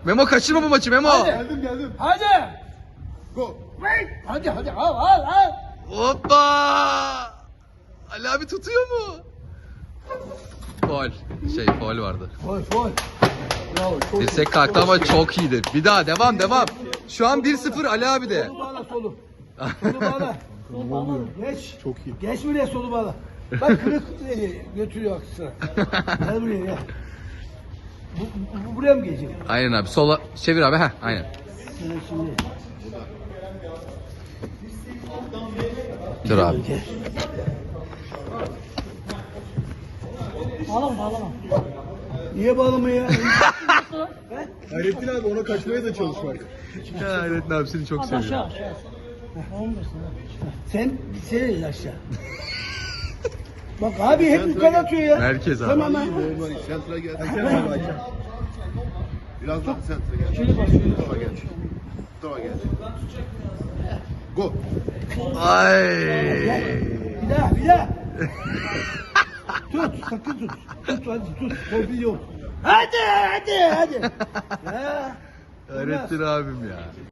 Memo kaçırma bu maçı Memo. Hadi. Geldim. Hadi. Go. Hadi al. Hoppa. Ali abi tutuyor mu? Faul. Faul vardı. Gol. Bravo. Çok Dirsek kalktı ama çok iyiydi. Bir daha devam. Şu an 1-0 Ali abi de. Solu bağla solu. Solu bağla. Ne oluyor? Geç. Çok iyi. Geç buraya solu bağla. Bak kırık götürüyor aksına. Gel buraya gel. Bu buraya mı gelecek? Aynen abi. Sola çevir abi. Heh, aynen. Şimdi. Dur abi. Gel. Bağlama. Niye bağlamıyor ya? Hayrettin abi ona kaçmaya da çalışmak. Ya Hayrettin abi seni çok seviyorum. Sen aşağı. Bak abi hep yukarı atıyor ya. Merkez abi. Tamam. Normal. Sentra gel. Biraz daha sentra gel. Şöyle bak. Şöyle. Mustafa gel. Mustafa gel. Go. Ay. Bir daha. Tut, sakın tut. Hadi tut. Torpil yok. Hadi. Ya. Hayrettin abim ya.